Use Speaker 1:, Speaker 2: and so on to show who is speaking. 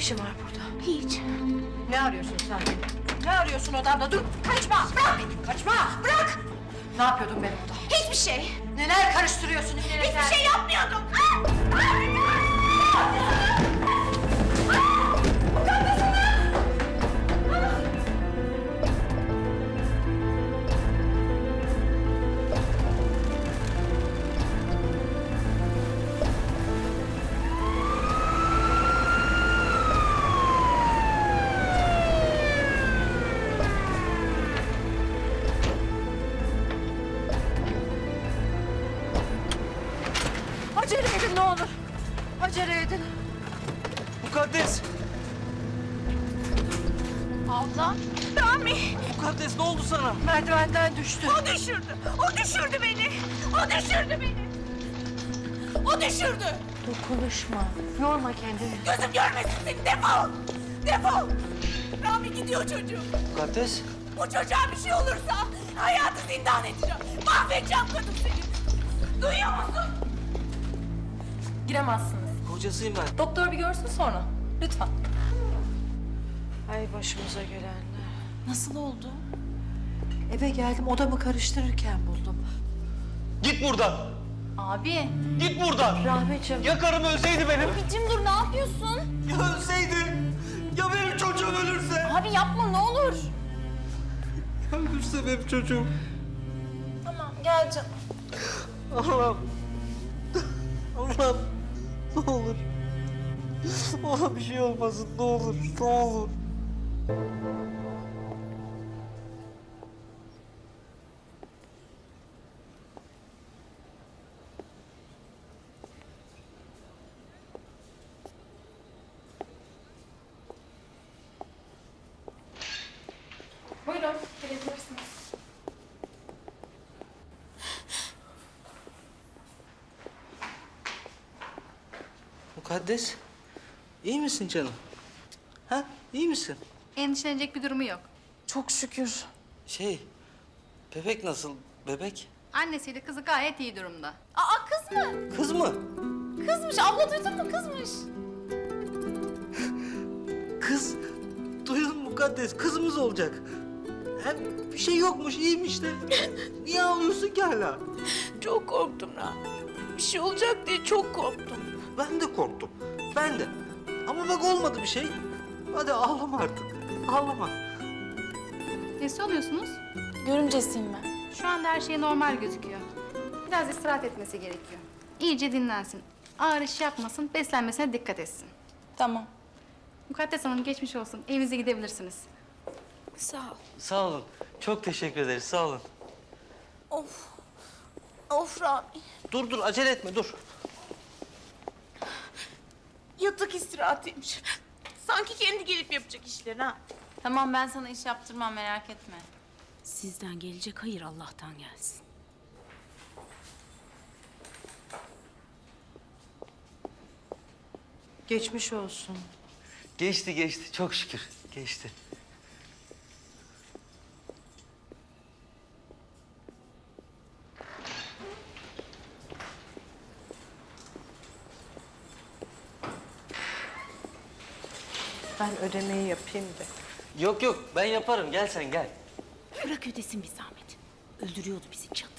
Speaker 1: işin var burada?
Speaker 2: Hiç.
Speaker 1: Ne arıyorsun sen? Ne arıyorsun odamda? Dur, kaçma! Bırak beni, kaçma! Bırak! Ne yapıyordun benim odamda?
Speaker 2: Hiçbir şey.
Speaker 1: Neler karıştırıyorsun?
Speaker 2: Hiçbir şey yapmıyordum.
Speaker 1: Acele edin ne olur. Acele edin.
Speaker 3: Mukaddes!
Speaker 2: Abla. Rami.
Speaker 3: Mukaddes ne oldu sana?
Speaker 1: Merdivenden düştü.
Speaker 2: O düşürdü. O düşürdü beni. O düşürdü beni. O düşürdü.
Speaker 1: Konuşma. Yorma kendini.
Speaker 2: Gözüm görmesin seni. Defol. Defol. Rami gidiyor çocuğum.
Speaker 3: Mukaddes?
Speaker 2: Bu çocuğa bir şey olursa hayatı zindan edeceğim. Mahvedeceğim kadın seni. Duyuyor musun?
Speaker 4: Giremezsiniz.
Speaker 3: Kocasıyım ben.
Speaker 4: Doktor bir görsün sonra. Lütfen.
Speaker 1: Ay başımıza gelenler.
Speaker 4: Nasıl oldu?
Speaker 1: Eve geldim odamı karıştırırken buldum.
Speaker 3: Git buradan!
Speaker 4: Abi.
Speaker 3: Git buradan!
Speaker 1: Rahmetciğim.
Speaker 3: Ya karım ölseydi benim?
Speaker 4: Abicim dur ne yapıyorsun?
Speaker 3: Ya ölseydi? Ya benim çocuğum ölürse?
Speaker 4: Abi yapma ne olur.
Speaker 3: Ya ölürse benim çocuğum?
Speaker 4: Tamam gel canım.
Speaker 3: Allah'ım. Allah'ım. Ne olur. Ona bir şey olmasın ne olur. Ne olur.
Speaker 4: Buyurun gelebilirsiniz.
Speaker 3: Mukaddes. İyi misin canım? Ha? İyi misin?
Speaker 5: Endişelenecek bir durumu yok.
Speaker 4: Çok şükür.
Speaker 3: Bebek nasıl? Bebek?
Speaker 5: Annesiyle kızı gayet iyi durumda.
Speaker 4: Aa kız mı?
Speaker 3: Kız mı?
Speaker 4: Kızmış. Abla duydun mu? Kızmış.
Speaker 3: Kız. Duydun mu Mukaddes? Kızımız olacak. Hem bir şey yokmuş, iyiymiş de. Niye ağlıyorsun ki hala?
Speaker 2: Çok korktum Rami. Bir şey olacak diye çok korktum.
Speaker 3: Ben de korktum. Ben de. Ama bak olmadı bir şey. Hadi ağlama artık. Ağlama.
Speaker 5: Nesi oluyorsunuz?
Speaker 4: Görümcesiyim ben.
Speaker 5: Şu anda her şey normal gözüküyor. Biraz istirahat etmesi gerekiyor. İyice dinlensin. Ağır iş yapmasın, beslenmesine dikkat etsin.
Speaker 4: Tamam.
Speaker 5: Mukaddes Hanım geçmiş olsun. Evinize gidebilirsiniz.
Speaker 2: Sağ ol.
Speaker 3: Sağ olun. Çok teşekkür ederiz. Sağ olun.
Speaker 2: Of. Of Rami.
Speaker 3: Dur acele etme dur.
Speaker 2: Yatak istirahatıymış. Sanki kendi gelip yapacak işlerini ha.
Speaker 4: Tamam ben sana iş yaptırmam merak etme.
Speaker 6: Sizden gelecek hayır Allah'tan gelsin.
Speaker 1: Geçmiş olsun.
Speaker 3: Geçti. Çok şükür. Geçti.
Speaker 1: Ben ödemeyi yapayım da.
Speaker 3: Yok ben yaparım. Gel sen gel.
Speaker 6: Bırak ödesin bir zahmet. Öldürüyordu bizi çatı.